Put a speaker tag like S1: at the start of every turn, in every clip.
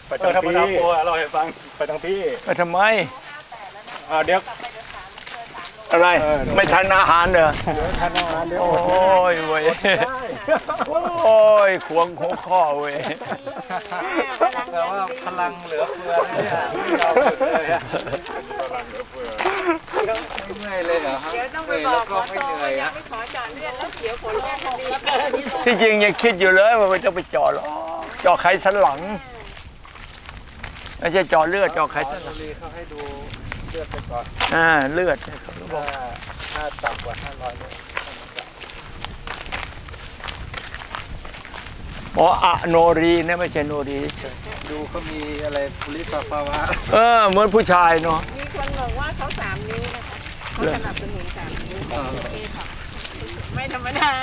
S1: ไปทางพี่เราให้ฟังไปทางพี่
S2: ไปทำไม
S1: เดี๋ยว
S2: อะไรไม่ทันอาหารเหรอ
S1: ทันอาหารเดี๋ยว
S2: โอ้ยเว้ยโอ้ยขวงหัวข้อเว้ย
S3: แต่ว่าพลังเหลือเฟือเนี่ยเราเลยอะไม่เมื่อยเลยเหรอครับ
S4: เดี๋ยวต้องไปบอกขอโทษยังไม่ขอจอดเลือดแล้วเดี๋ยวผลแรกดี
S2: ที่จริงยังคิดอยู่เลยว่าไม่ต้องไปเจาะหรอกเจาะไขสันหลังไม่ใช่เจาะเลือดเจาะไขสันหลัง
S3: เขาให้ดูเลือดไปก่อน
S2: เลือดเขาบอก
S3: ถ้าต่ำกว่า500เลย
S2: อะโนรีนะไม่ใช่โนรีเฉย
S3: ดูเขามีอะไรปุริภาวะ
S2: เหมือนผู้ชายเนาะ
S4: มีคนบอกว่าเขา3 นิ้วนะคะเขาสนับสนุน3 นิ้วโอเคค่ะไม่ธรรมดา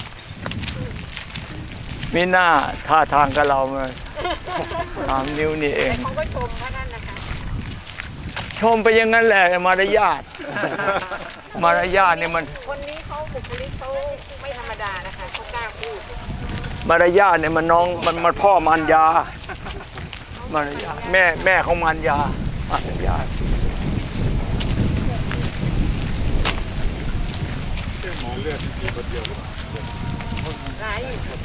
S2: มีหน้าท่าทางกับเราเลย3 นิ้วนี่เอง
S4: เขาก็ชมว่านั่นนะคะ
S2: ชมไปอย่างนั้นแหละมารยาทเนี่ยมัน
S4: คนนี้เขาบุคลิกเขาไม่ธรรมดานะคะเขากล้าพูด
S2: มารยาทเนี่ยมันน้องมันพ่อมารยามารยาแม่ของมารย
S1: หมอเลือดมีคนเดียว
S4: หลาย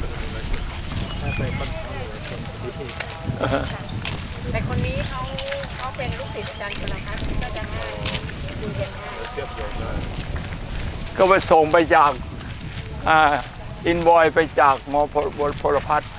S4: แต่คนนี้เขาเป็นลูกศิษย์อาจารย์ชลพัฒน์ก็จะง่ายดูเย็นง่าย
S2: ก็ไปส่งไปจากอินบอยไปจากหมอพลพัฒน์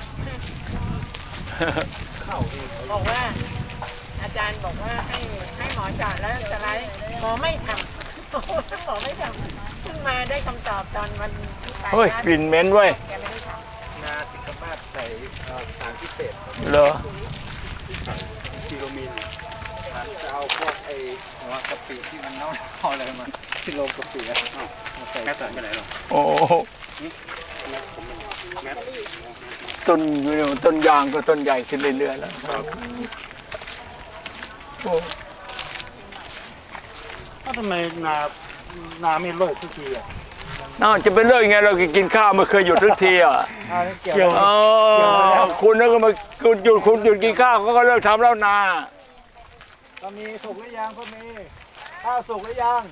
S4: บอกว่าอาจารย์บอกว่าให้หมอจอดแล้วสไลด์หมอไม่ทำหมอไม่ทำเพิ่งมาได้คำตอบตอนวันที่ไป
S2: เฮ้ยฟินเมนเว้ย
S3: นาสิงคโปร์ใส่สารพิเศษ
S2: เหรอ
S1: กิโลมิน
S3: จะเอาพวกไอ้หัวกะปิที่มันเน่าอะไรมาที่โรงกะปิมาใส่
S1: แม่ตัดไปไหนหรอ
S2: โอ้ต้นอยู่ต้นยางก็ต้นใหญ่ขึ้นเรื่อยๆแล้ว
S1: ทำไมนาไม่เลิกทุกทีอ่ะ
S2: จะเป็นเรื่องไงเรากินข้าวไม่เคยหยุดทุกทีอ่ะ
S1: เกี่ยว
S2: คุณนั่นก็มาคุณหยุดกินข้าวเขาก็เลิกทำแล้วนา
S3: ก็มีสุกหรือยังก็มีข้าวสุกหรือยัง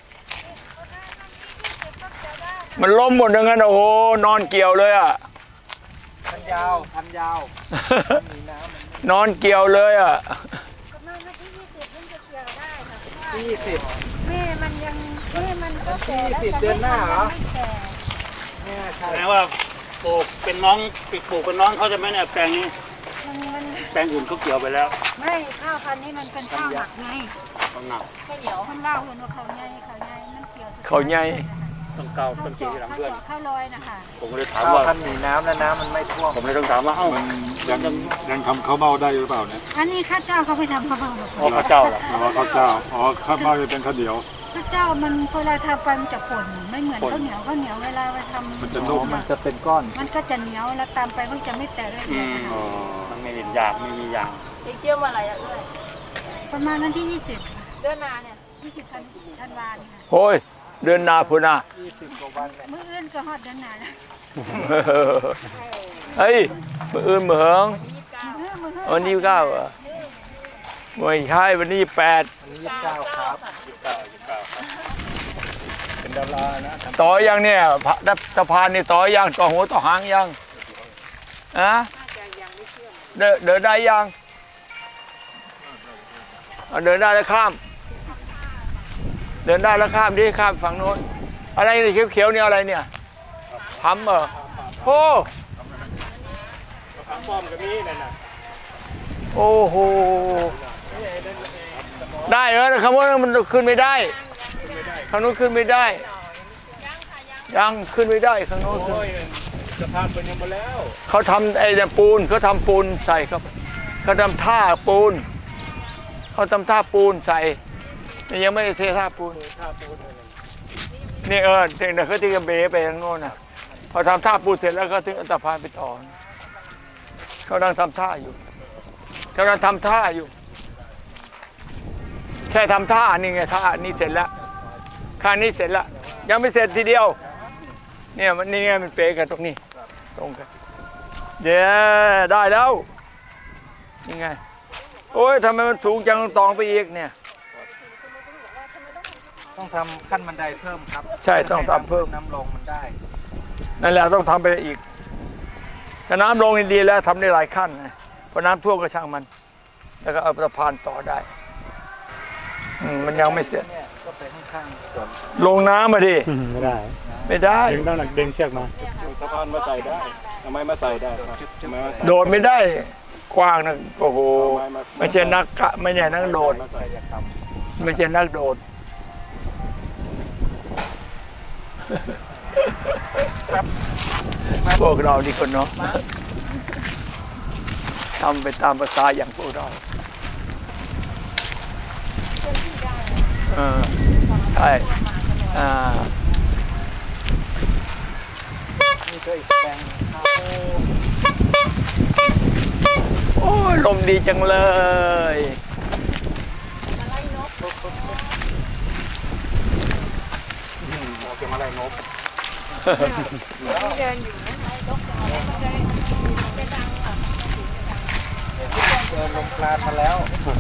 S2: มันล้มหมดอย่างนั้นโอ้โหนอนเกี่ยวเลยอ่ะ
S3: พันยาวมีน้
S2: ำนอนเกี่ยวเลยอ่ะ
S4: ประมาณวันที่20มันจะเกี่ยวได้ค่ะ
S3: 20
S4: แม่มันก็แก่แล้ว
S3: 20เดือนหน้าเหรอ
S1: แม่ใช่แปลว่าปลูกเป็นน้องเขาจะไม่เนี่ยแปลงนี้แปลงอื่นเขาเกี่ยวไปแล้ว
S4: ไม่ข้าวพันธุ์นี้มันเป็นข้าวหมักไง
S1: ข้าวหมัก
S4: ข้าวเหนียวข้าวเล่าเห็นว่าเขาใหญ่มันเกี่ยว
S2: เขาใหญ่
S1: ต้องเกาต้องจีหลังเพื่อน
S4: ข้าวลอยนะคะ
S1: ผมเลยถามว่า
S3: ท่านมีน้ำแล้วน้ำมันไม่ท่วม
S1: ผมเลยต้องถามว่ายังทำข้าวเม่าได้หรือเปล่าเนี่ย
S4: อันนี้ข้าเจ้าเขาไปทำข้าวเม่า
S1: ข้าวเจ้าเหรอข้าวเจ้าข้าวเม่าจะเป็นข้าวเหนียว
S4: ข้าวเจ้ามันเวลาทำไปมันจะป่นไม่เหมือนข้าวเหนียวเวลาไปทำ
S1: มันจะนุ่ม
S3: มันจะเป็นก้อน
S4: มันก็จะเหนียวแล้วตามไปมันจะไม่แตกเลย
S1: มันไม่มียาง
S4: เกี่ยวมาอะไรอ่ะด้วยประมาณวันที่20เดือนนาเนี่ย20ธันวาคม
S2: โอ้ยเดือนนาพุนา
S3: 20กว่าวัน
S4: มื้ออื่นก็ฮอดเดือนนาแล้ว
S2: เฮ้ยมื้ออื่นมื้อเหิงวันนี้29เหรอไม่ใช่วันนี้28
S3: วันนี้29ครับ
S1: เป็นดารานะ
S2: ต่อยังเนี่ยสะพานนี่ต่อยังต่อหัวต่อหางยังเดินได้ยังเดินได้แล้วข้ามดิข้ามฝั่งโน้นอะไรนี่เขียวๆนี่อะไรเนี่ยทำโอ้
S1: ทำป้อมกับนี้นั่นน่ะ
S2: โอ้โหได้เหรอคำว่ามันขึ้นไม่ได้ข้างโน้นขึ้นไม่ได้ยังขึ้นไม่ได้ข้างโน้นขึ้น
S1: สะพานเป็นยังหมดแล้ว
S2: เขาทำไอ้ปูนเขาทำปูนใส่ครับเขาทำท่าปูนใส่ยังไม่ได้เทท่าปูนนี่ถึงเดี๋ยวเขาจะเบ๋ไปทางโน้นนะพอทำท่าปูนเสร็จแล้วก็ถึงอันตรพานไปต่อเขากำลังทำท่าอยู่แค่ทำท่านี่ไงท่านี่เสร็จแล้วข้างนี้เสร็จแล้วยังไม่เสร็จทีเดียวเนี่ยมันนี่ไงมันเป๊ะกันตรงนี้ตรงกันเดี๋ยวได้แล้วนี่ไงโอ้ยทำไมมันสูงจังตองไปอีกเนี่ย
S3: ต้องทำขั้นบันไดเพิ่มครับ
S2: ใช่ต้องทำเพิ่ม
S3: น้ำลงมันได้
S2: นั่นแหละต้องทำไปอีกถ้าน้ำลงนี่ดีแล้วทำได้หลายขั้นนะพอน้ำท่วมก็ช่างมัน แล้วก็เอาสะพานต่อได้มันยังไม่เสร็จ
S3: เนี่ยก็ไปข้างๆก่อน
S2: ลงน้ำมาดิ
S1: ไม่ได้
S2: ไม่ได้
S1: ดึงต้องหนักดึงเชือกมาสะพานมาใส่ได้ทำไมมาใส่ได้ครับทำไมมาใส่
S2: โดดไม่ได้กว้างนะโอ้โหไม่ใช่นักกะไม่ใช่นักโดด
S1: มาใส่อยากท
S2: ไม่ใช่นักโดดพวกเรานี่คนเนาะทำไปตามภาษาอย่างพวกเราใช่
S3: นี่ก็อีกแปลงครับ
S2: โอ้ยลมดีจังเลย
S1: ำโอเคมาไล่นก
S4: เดินอยู่นะไอ้นกมันจะดังอ่ะ
S3: เดินลงกลานมาแล้ว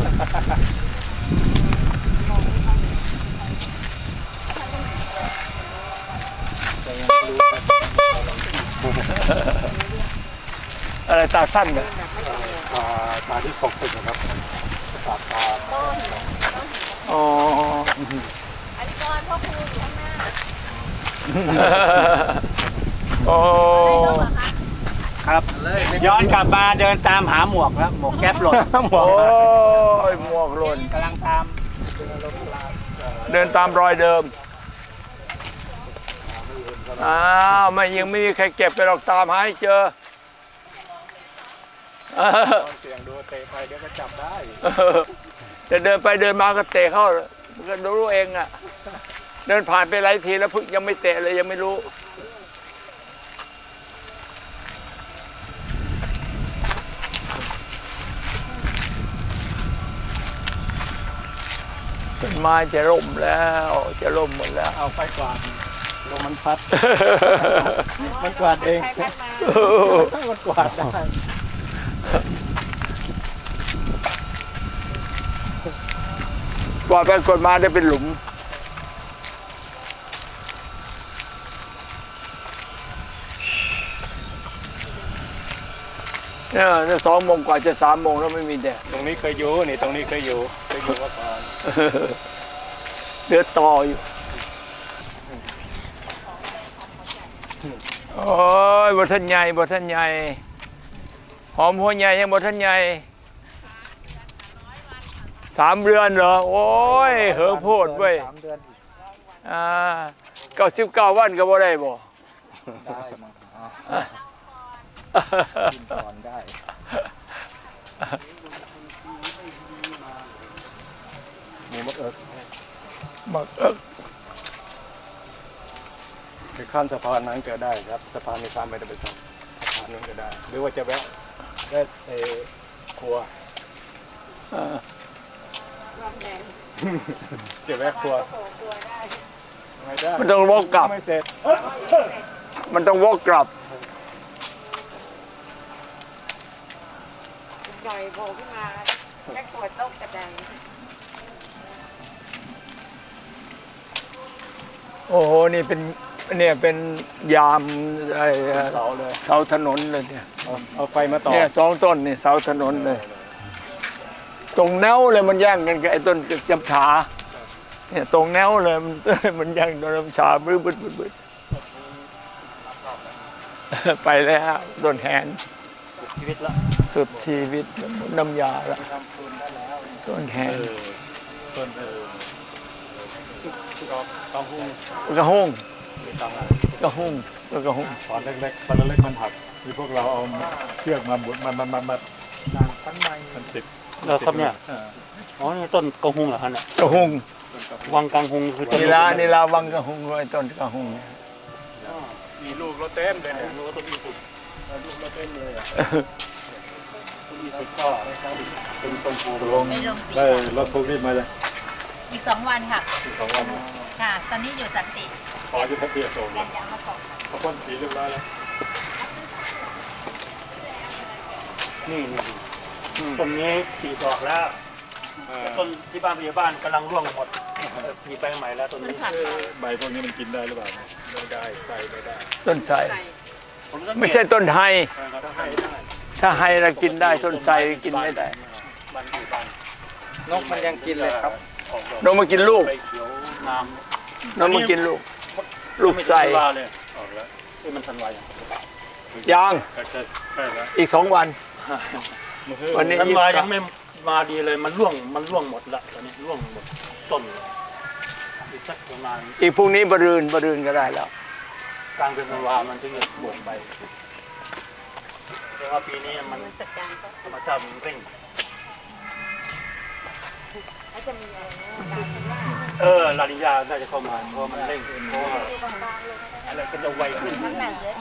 S3: แต่ยังไม่รู้นะ
S2: อะไรตาสั้นเนี่ย
S1: ตาที่ตกตึกนะครับตา
S2: อ๋อ
S4: อันนี้ก่อนพ่อครูอยู่ข้างหน้า
S2: โอ้
S1: ครับย้อนกลับมาเดินตามหาหมวกแล้วหมวกแก๊ปหล่นหมวก
S2: โอ้ยหมวกหล่น
S1: กำลังตาม
S2: เดินตามรอยเดิมอ้าวไม่ยังไม่มีใครเก็บไปหรอกตามหาให้เจอ
S1: เสียงดูเตะไปเดี๋ยวก็จับได้
S2: จะเดินไปเดินมาก็เตะเข้ามันก็รู้เองอ่ะเดินผ่านไปหลายทีแล้วพึ่งยังไม่เตะเลยยังไม่รู้ต้นไม้จะร่มแล้วจะร่มหมดแล้ว
S1: เอาไฟกวาดลงมันพัด มันกวาดเอง
S4: ใครมา
S1: มันกวาดได้
S2: กวาดไปกวาดมาได้เป็นหลุมเนี่ย2 โมงกว่าจะ3 โมงแล้วไม่มีแดด
S1: ตรงนี้เคยอยู่นี่ตรงนี้เคยอยู่มาก่อน
S2: เดือดต่ออยู่โอ้ยบทันใหญ่บทันใหญ่หอมหัวใหญ่ยังบทันใหญ่3 เดือนเหรอโอ้ยเหิงโพดเว้ย
S3: 3 เดือนอีก
S2: 99 วันก็บ่ได้บ่
S3: ได้มั้งกินก่อนได้หมูมะเอิก
S2: มักเอิก
S1: คือข้ามสะพานนั้นก็ได้ครับสะพานในข้ามไม่ได้ไปสะพานนั้นก็ได้ หรือว่าจะแวะครัวจะแวะครัวไม่ได้
S2: มันต้องวกกลับ
S1: ไม่เสร็จ
S2: มันต้องวกกลับ
S4: หน่อยโผล่ขึ้นมาแค่ขวดต้มกระดัง
S2: โอ้โหนี่เป็นเนี่ยเป็นยามไอ้
S1: เสาเลย
S2: เสาถนนเลยเนี่ย
S1: เอาไฟมาต่อ
S2: เนี่ย2 ต้นนี่เสาถนนเลย ตรงแนวเลยมันแย่งกันกับไอ้ต้นจำฉาเนี่ยตรงแนวเลยมันแย่งต้นจำฉาบึ้บไปแล้วโดนแหน
S1: ชีวิตละ
S2: สุดชีวิตน้ำยาละ
S3: ทำทุนได้แล้ว
S2: ต้นแหน
S1: ต้นสุกกองหุ้ง
S2: กระห้ง
S1: มีตังค์
S2: กระห้งกระห้ง
S1: ตอนเล็กๆตอนเล็กมันหักมีพวกเราเอาเชือกมาบุดมัน
S3: ปั้นไม้
S1: มันติด
S5: แล้วครับเนี่ย อ๋อ นี่ต้นกระหุงเหรอฮะเนี่ย
S2: กระห้ง
S5: วังกังหุงคือต้น
S2: นี่ลาวังกระห้งไอ้ต้นกระห้งเนี่ย
S1: มีลูกรถเต็มเลยเนี่ยลูกต้นอีสุดลูกรถเต็มเลยอ่ะต้นอีสุดก็เป็นต้นปูลง
S6: ไม่ลงสี
S1: ได้รถโควิดมาเลย
S6: อีก2 วันค่ะ
S1: 2 วัน
S6: ค่ะ ตอนนี้อยู่สันติ
S1: ขอยุทธเบียร์ส่ง
S6: แกนยางมาส่งค่ะ
S1: เขาพ่นสีเรียบร้อยแล้วนี่
S5: ต้นนี้ปีดอกแล้วต้นที่บ้านพยาบ้านกำลังร่วงหมดมีไปใหม่แล้วต้นนี้
S1: ใบพวกนี้มันกินได้หรือเปล่าไม่ได้ใส่ไม่ได้
S2: ต้นไทร
S5: ผมสังเกต
S2: ไม่ใช่ต้นไฮ
S1: ถ้าให้ได้
S2: ถ้าไฮเรากินได้ต้นไทรกินไม่ได้
S1: บ้านอยู่บ้าน
S3: นกมันยังกินเลยครับ
S1: ออกดอก
S2: นกมากินลูก
S1: ใบเขียวงาม
S2: นกมากินลูก ลูกไทร
S5: ไม่ธันวาเลย
S1: ออกแล้ว
S5: ที่มันทันวาอย่าง
S2: ยาง
S1: ใกล้แล้ว
S2: อีก2 วัน วันนี้
S5: ธันวายังไม่มาดีเลยมันร่วงหมดละตอนนี้ร่วงหมดต้นอีกสักประมาณ
S2: อีกพรุ่งนี้บรืนก็ได้แล้ว
S5: กลางเดือนธันวามันถึงจะบวกไปแต่ว่าปีนี้มัน
S6: สัปดาห์ก็
S5: ธรรมชาติมันเร่ง
S6: แล้วจะมีอะไรนะ
S5: ลานิญาน่าจะเข้ามาเพราะมันเร่งเพราะว่าอะไรก็จะไวขึ้น
S6: น้ำหนักเยอะ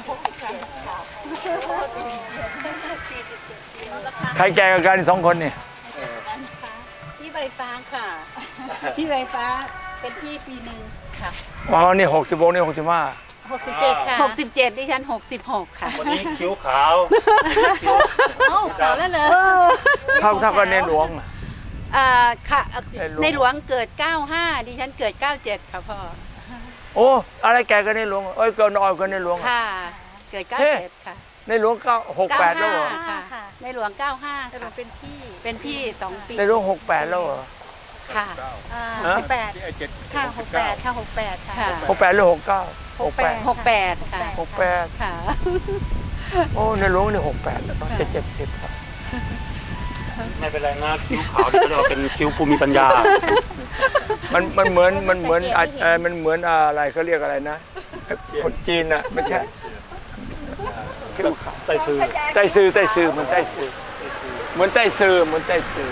S6: 47
S2: ใครแก่กับกัน2 คนเนี่ย
S6: ที่ใบฟ้าค่ะ ที่ใบฟ้าเป็นที่ปีหนึ่งค่ะ
S2: อ๋อนี่66นี่65
S6: 67 ค่ะ 67ดิฉัน66 ค่ะ
S5: วันนี้คิ้วขาวคิ้ว
S6: เอ้าขาวแล้วเหรอ
S2: เท่ากันในหลวงอะ
S6: ค่ะ
S2: ในหลวง
S6: ในหลวงเกิด 95 ดิฉันเกิด 97 ค่ะพ่อ
S2: โอ้อะไรแก่กันในหลวงเอ้ยเกินอ่อยกันในหลวงอะ
S6: ค่ะ เกิด
S2: เฮ้
S6: 97 ค่ะ
S2: ในหลวง68แล้วเหรอ
S6: 95ค่ะ ในหลวง 95 ค่ะเป็นพี่ 2 ปี
S2: ในหลวง68แล้วเหรอ
S6: ค่ะ
S2: ฮะ
S1: ที่ไอ้เจ็ด
S6: ค่ะ68 ค่ะ 68 ค่ะ
S2: 68หรือ69 68
S6: 68 ค่ะ
S2: 68
S6: ค่ะ
S2: โอ้ในหลวงนี่68แล้วจะ70ครับ
S5: ไม่เป็นไรนะคิ้วขาวนี่ก็เรียกว่าเป็นคิ้วภูมิปัญญา
S2: มันเหมือนมันเหมือนอะไรเขาเรียกอะไรนะคนจีนน่ะไม่ใช่คิ้วขาว
S5: ไต้ซื่อ
S2: ใต้ซื่อเหมือนใต้ซื่อเหมือนใต้ซื่อเหมือนใต้ซื่อ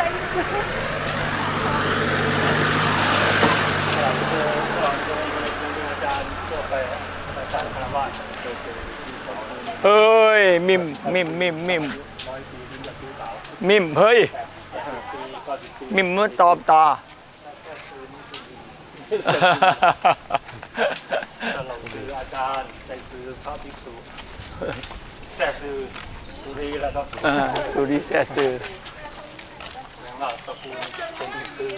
S5: เราเจออาจารย์ทั่วไปอาจารย์คารวะเคยเจอที่สอน
S2: เฮ้ยมิมเฮ้ย
S5: ปีก็สิบปี
S2: มิมเมื่อตอบตา
S5: เราคืออาจารย์ใจคือพระภิกษุแท้คือสุรีแล้วก็สุรี
S2: สุริแซ่ซื่อ
S5: แล้วก็ตระกูลเป็นซื่อ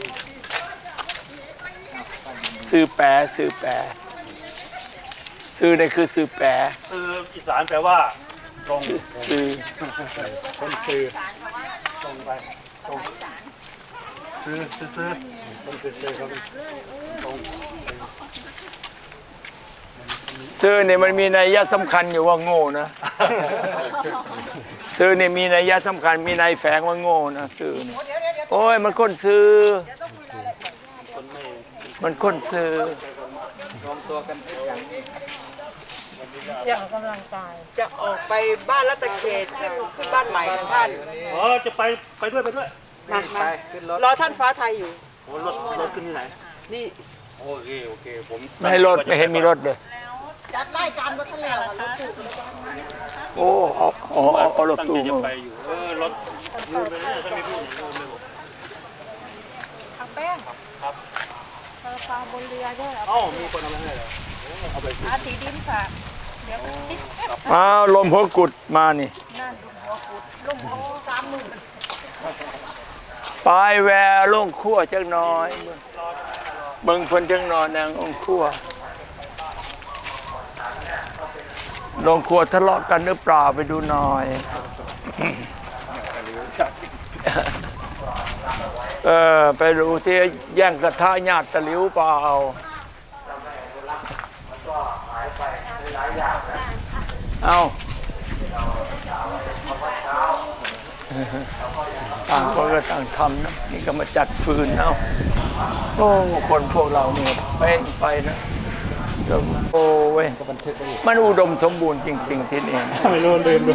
S2: ซื่อแปรซื่อนี่คือซื่อแปร
S5: ซื่ออีสานแปลว่าตรง
S2: ซื่อ
S5: คนซื่อตรงไปตรงซื่อตรงซื่อครับตรง
S2: ซื่อเนี่ยมันมีนัยยะสำคัญอยู่ว่าโง่นะซื่อเนี่ยมีนัยยะสำคัญมีนัยแฝงว่าโง่นะซื่อเนี่ยโอ้ยมันคนซื่อ
S5: คนไม่
S2: มันคนซื่อ
S3: รวมตัวกันเป็นอย่างนี้
S4: จะออกกำลังกาย จะออกไปบ้านรัตเขตขึ้นบ้านใหม่ของท่าน
S5: อ๋อจะไปด้วย
S3: ไปขึ้นรถ
S4: รอท่านฟ้าไทยอยู่
S5: โอ้รถขึ้นที่ไหน
S4: นี่
S5: โอเคผม
S2: ไม่ให้รถไม่เห็นมีรถเลย
S4: จัดรายการวัฒนแล้วรถตู้
S2: โอ้เอารถ
S5: ตั้ง
S2: ตู้
S5: ใจจะ
S2: มา
S5: ไปอยู่รถลืมไปเนี่ยถ้าไม่พูดลืมไปหมด
S6: ทางแป้ง
S5: ครับ
S6: ปลาบนเรือด้วย
S5: เอ้ามีคนเอามาให้เหรอเอาไปสิ
S6: สีดินค่ะ เดี๋ยว
S2: อ้าวลมหัวกุดมานี่
S6: ลุ่มโอ้30,000
S2: ปลายแวร์ลงขั้วจักหน้อยเบิ่งเพิ่นจักหนอนนางองขั้วลงขั้วทะเลาะกันหรือเปล่าไปดูหน่อยไปดูที่แย่งกระทะญาติตะหลิวเปล่าเอาต่างคนก็ต่างทำนะนี่ก็มาจัดฟืนเอาโอ้คนพวกเราเนี่ยไปนะโอ้เว้ยมันอุดมสมบูรณ์จริง ๆ ที่นี่
S5: ไม่รู้ลืมดู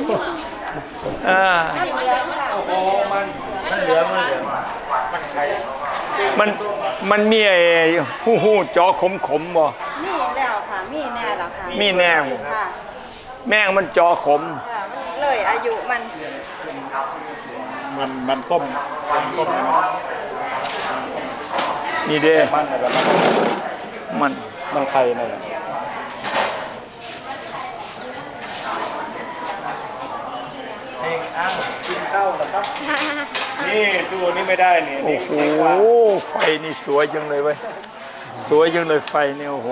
S2: มันมีไอ้หู้จอขมบ่
S7: มีแล้วค่ะ มีแน่แล้วค่ะ
S2: มีแนว
S7: ค่ะ
S2: แม่งมันจอขม
S7: ค่ะมันเลยอายุมัน
S1: มันต้มนะ
S2: นี่เด้
S1: มันอะไรแบบ
S2: มัน
S1: ไข่นั่นแหละ
S3: เพลงอ้างกินข้าว
S1: นะครับ นี่สู้นี่ไม่ได้นี่
S2: โอ้
S1: นี่
S2: โหไฟนี่สวยจังเลยเว้ยสวยจังเลยไฟเนี่ยโอ้โห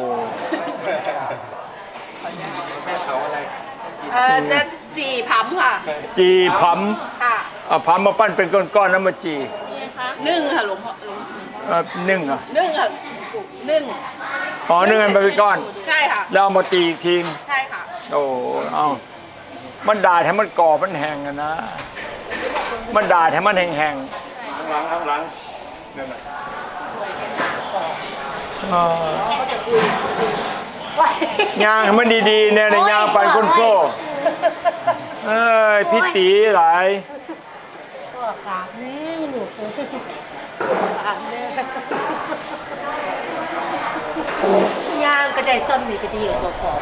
S7: จะจี่ผำค่ะ
S2: จีผ
S7: ค่ะ
S2: ำเอาผำมาปั้นเป็นก้อนๆแล้วมาจี
S7: นึ่งค่ะหลวงพ่อหลวง
S2: นึ่งอ่ะ
S7: นึ่งค่ะนึ่ง
S2: อ๋อนึ่งกันไปเป็นก้อน
S7: ใช่ค่ะ
S2: แล้วเอามาตีอีกที
S7: ใช่ค่ะ
S2: โอ้เอามันด่าให้มันกรอบมันแห้งอะนะ มันด่าให้มันแห้ง
S1: ข้างหลังนั่นน่ะ
S2: ๆยางให้มันดีๆเนี่ยยางปันก้นโซ่เอ้ยพี่ตีหลาย
S6: ย่างก็ได้ซ้ำนี่ก็ดีกว่าพอ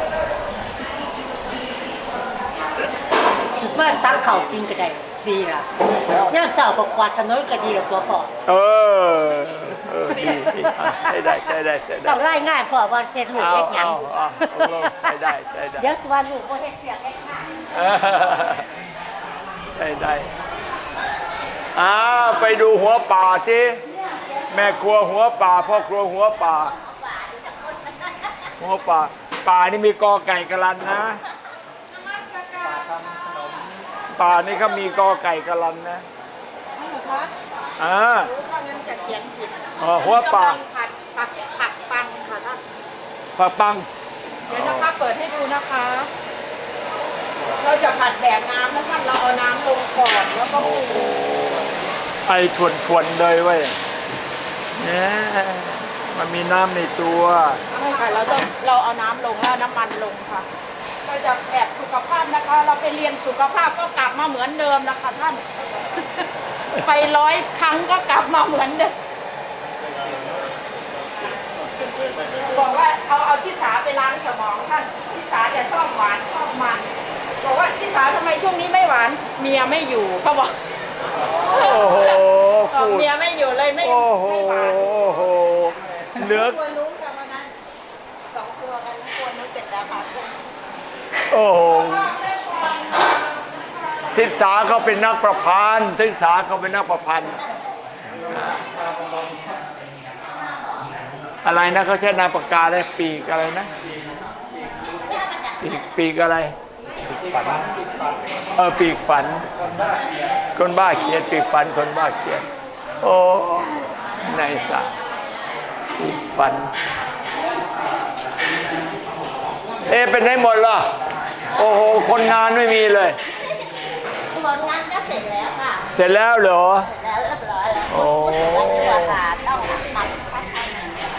S6: เมื่อตั้งเข่ากินก็ได้ดีล่ะย่างเสาร์กับกวาดถนนก็ดีกว่าตัวพอ
S2: เออดีอ่ะใช้ได้ใช้ได้ใช้ได้
S6: ต้องไล่ง่ายพอว่าเฮ็ดลูก
S2: เอา
S6: เฮ็ดหยัง
S2: เอาใช้ได้ใช้ได้
S6: เดี๋ยวสิว่าลูกบ่เฮ็ดเสียงเฮ็ดงาน
S2: ใช่ได้ไปดูหัวป่าที่แม่ครัวหัวป่าพ่อครัวหัวป่าหัวป่าป่านี่มีกอไก่กะลันนะป่านี่เขามีกอไก่กะลันนะ
S7: งั้นจะเขียนผิด
S2: หัวป่า
S7: ผัดปังค่ะท่าน
S2: ผักปัง
S7: เดี๋ยวนะคะเปิดให้ดูนะคะ เราจะผัดแบบน้ำนะท่านเราเอาน้ำลงก่อนแล้วก็ปรุง
S2: ไอทวนๆเลยเว้ยเนี่ยมันมีน้ำในตัว
S7: ใช่ค่ะเราเอาน้ำลงแล้วน้ำมันลงค่ะเราจะแบบสุขภาพนะคะ เราไปเรียนสุขภาพก็กลับมาเหมือนเดิมนะคะท่าน ไป100 ครั้งก็กลับมาเหมือนเดิมบอกว่าเอาที่สาไปล้างสมองท่านที่สาจะชอบหวานชอบมันบอกว่าที่สาทำไมช่วงนี้ไม่หวานเมียไม่อยู่เขาบอก
S2: โอ้โห
S7: บอกเมียไม่อยู่เลยไม่
S2: โอ้โห
S7: หวาน
S2: เหลือ
S7: ตัวนู้นกับวันนั้น2 ตัวกันตัวนู้นเสร็จแล้วค่ะ
S2: โอ้โหทิศาเขาเป็นนักประพันธ์ทิศาเขาเป็นนักประพันธ์อะไรนะเขาใช้นามปากกาอะไรปีกอะไรนะปีกอะไรปีกฝันคนบ้าเขียนปีกฝันคนบ้าเขียนโอ้นายสาปีกฝันเป็นได้หมดเหรอโอ้โหคนงานไม่มีเลย
S6: ผลงานก็เสร็จแล้วค่ะ
S2: เสร็จแล้วเหรอ
S6: เสร็จแล้วเรียบร้อยแล้ว
S2: โอ้
S6: แล้วที่ว่าค่ะต้องทำพัฒนา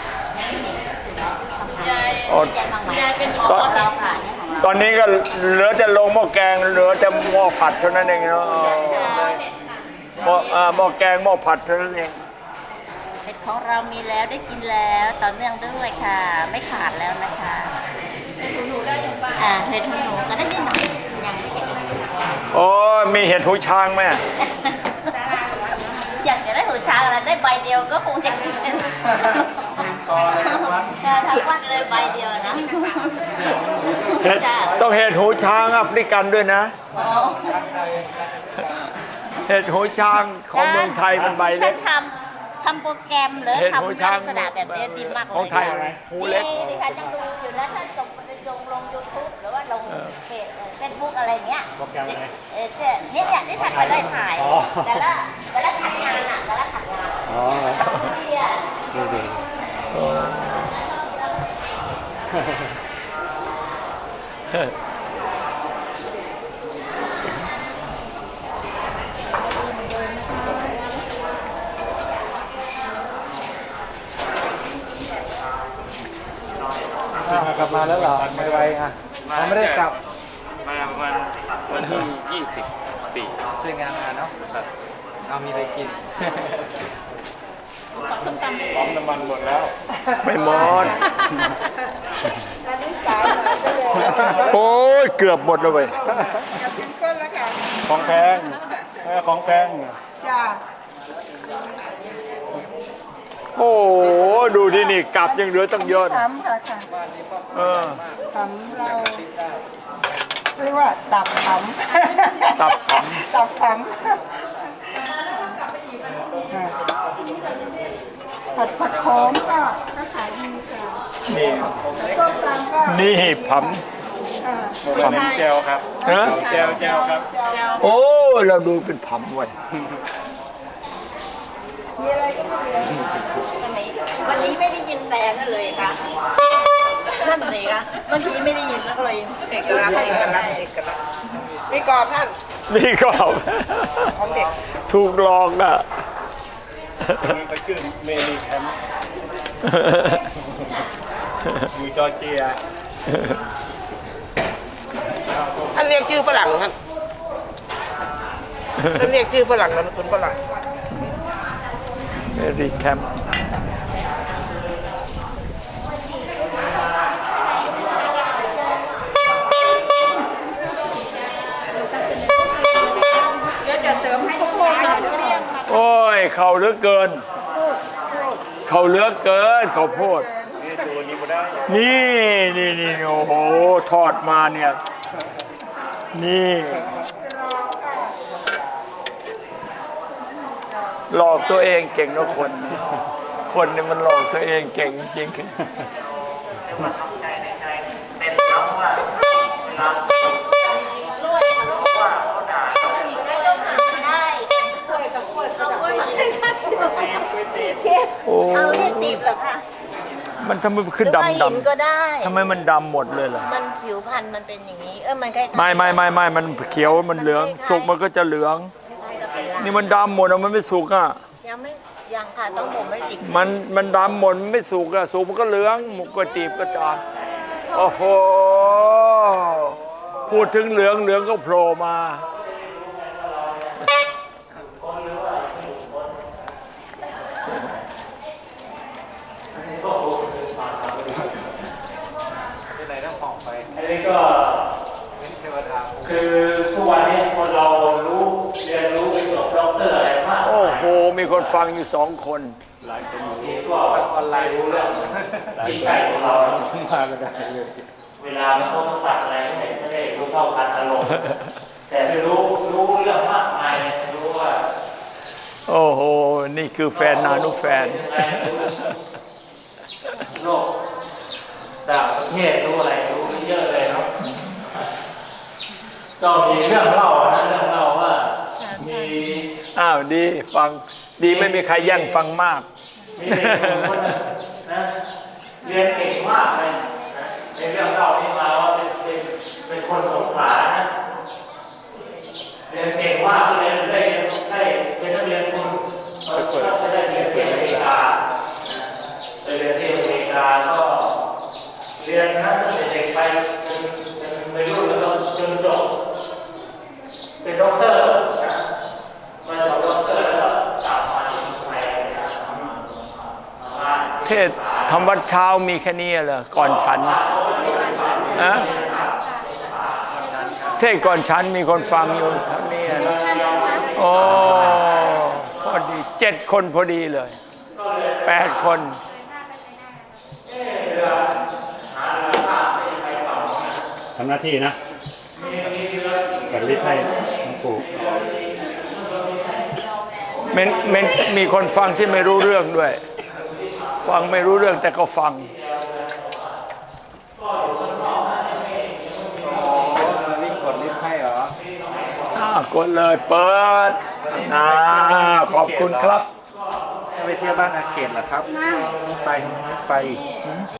S6: เป็นของเราค่ะเนี่ยของเรา
S2: ตอนนี้ก็เหลือแต่ลงหม้อแกงเหลือแต่หม้อผัดเท่านั้นเองเนาะหม้อแกงหม้อผัดเท่านั้นเอง
S6: เห็ดของเรามีแล้วได้กินแล้วต่อเนื่องด้วยค่ะ ไม่ขาดแล้วนะคะเห็ดหูหนูได้ยังบ้างเห็ดหูหนูก็ได้นิดหน่อยยังไม่เห็น
S2: โอ้มีเห็ดหูช้างไหม
S6: อยากจะได้หูช้างอะไรได้ใบเดียวก็คงจะกินทั้งวัดเลยใบเดียวนะ
S2: เห็ดต้องเห็ดหูช้างแอฟริกันด้วยนะ เห็ดหูช้างของเมืองไทยมันใบเล็ก
S6: ทำโปรแกรมหรือ
S2: เห็ดหู
S6: ทำ
S2: ช้าง
S6: ลักษณะแบบนี้ดีมากเลย
S2: ของไทยหูเล็ก
S6: ดีค่ะยังดูอยู่นะถ้าส่งไปลง YouTube หรือว่าลงเพจเฟซบุ๊กอะไรเงี้ย
S5: โปรแกรมอะไร
S6: เนี่ยที่ท่านมาได้ถ่าย แต่ละขัดงานอ่ะแต่ละขัดงาน
S5: อ๋อ
S6: ที่อ่ะ
S5: ดูดิ กลับมาแล้วเหรอไม่ไวอ่ะเราไม่ได้กลับ
S3: มาประมาณวันที่24ช่วยงานมาเนาะเอามีอะไรกิน
S1: ปั๊มน้ำมันหมดแล้ว
S2: ไม่หมด โอ้ยเกือบหมดแล้วเว้ย
S7: ก้นแล้วค่ะ
S1: ของแพงของแพง
S7: จ้า
S2: โอ้โหดูที่นี่กลับยังเหลือตั้งเยอะนะ
S7: ทำค่ะค่ะ
S2: เออ
S7: ทำเราเรียกว่าตับขำ
S2: ตับข
S7: ตับขผัดโขมก็ขายดีค่ะ
S2: นี่
S7: ส้มตำก็
S2: นี่ผำ
S1: มันเป็นแจวครับ
S2: ฮะ
S1: แจวครับ
S2: โอ้เราดูเป็นผำไว้ย
S7: มีอะไรก็ไม่เหลือ
S6: วันนี้ไม่ได้ยินแต่นั่นเลยค่ะนั่นเลยค่ะเมื่อกี้ไม่ได้ยินแล้วก็เลย
S7: เอกลักษณ์เอกลักษณ์เอกลักษณ์มีกรอบท่าน
S2: นี่ก็
S7: ของเด็ก
S2: ถูกหลอกอ่ะ
S1: มันก็ชื่อเมลีแคมป์อยู่จอร์เจีย
S7: ท่านเรียกชื่อฝรั่งท่านท่านเรียกชื่อฝรั่งนามสกุลฝรั่ง
S2: เมรีแคมป์
S7: เดี๋ยวจะเสริมให้ทุกคน
S2: โอ้ยเขาเหลือเกิน เขาเหลือเกินเขาวโพด
S1: นี่สูนี้บ่ได้
S2: นี่โอ้โหทอดมาเนี่ย นี่ หลอกตัวเองเก่งนะคนเนี่ยมันหลอกตัวเองเก่งจริงโอ้
S6: เอาเรียกตีบเหรอคะ
S2: มันทำไมขึ้น
S6: หรือว่า
S2: ดำ
S6: หินก็ได้
S2: ทำไมมันดำหมดเลยล่ะ
S6: มันผิวพันธุ์มันเป็นอย่างนี้ มันคล้ายๆ
S2: ไม่มันเขียวมันเหลืองสุกมันก็จะเหลือง
S6: คล้ายๆกับเป็นลา
S2: นี่มันดำหมดอะมันไม่สุกอ่ะ
S6: ยังค่ะต้องบ่มไม่อีก
S2: มันดำหมดมันไม่สุกอ่ะสุกมันก็เหลืองหมุกกระตีบก็จานโอ้โหพูดถึงเหลืองก็โผล่มาอันนี้ก็คือทุกวันนี้คนเราเรียนรู้ไปจบด็อกเตอร์อะไรมากโอ้โหมีคนฟังอยู่2 คนหลายคนอยู่ก็ออนไลน์รู้เรื่องที่ใกล้ของเรามาก็ได้เวลามันต้องตัดอะไรไม่ได้รู้เท่าทันอารมณ์แต่รู้เรื่องมากมายรู้ว่าโอ้โหนี่คือแฟนนานุแฟนโลกต่างประเทศรู้อะไรรู้เยอะเลยเนาะก็มีเรื่องเล่าว่ามีดีฟังดีไม่มีใครแย่งฟังมากมีเด็กคนนะเรียนเก่งมากเลยนะในเรื่องเล่าที่มาว่าเป็นคนสงขลานะเรียนเก่งมากเลยได้เป็นนักเรียนทุนก็ได้เรียนที่อเมริกาไปเรียนที่อเมริกาก็เรียนนะตั้งแต่เด็กไปจนไม่รู้แล้วจนจบเป็นด็อกเตอร์นะมาจบด็อกเตอร์แล้วก็กลับมาที่ไทยเทศทำวัดเช้ามีแค่นี้เหรอก่อนฉันนะเทศก่อนฉันมีคนฟังอยู่เท่านี้นะโอ้พอดี7 คนพอดีเลย8 คน
S5: ทำหน้าที่นะกัดลิ้นให้หลวงปู่
S2: มีคนฟังที่ไม่รู้เรื่องด้วย ฟังไม่รู้เรื่องแต่ก็ฟัง
S3: ลิงกดลิฟต์ให้เหรอก
S2: ดเลยเปิดขอบคุณครับ
S3: ไปเที่ยวบ้านอาเขตเหรอครับไป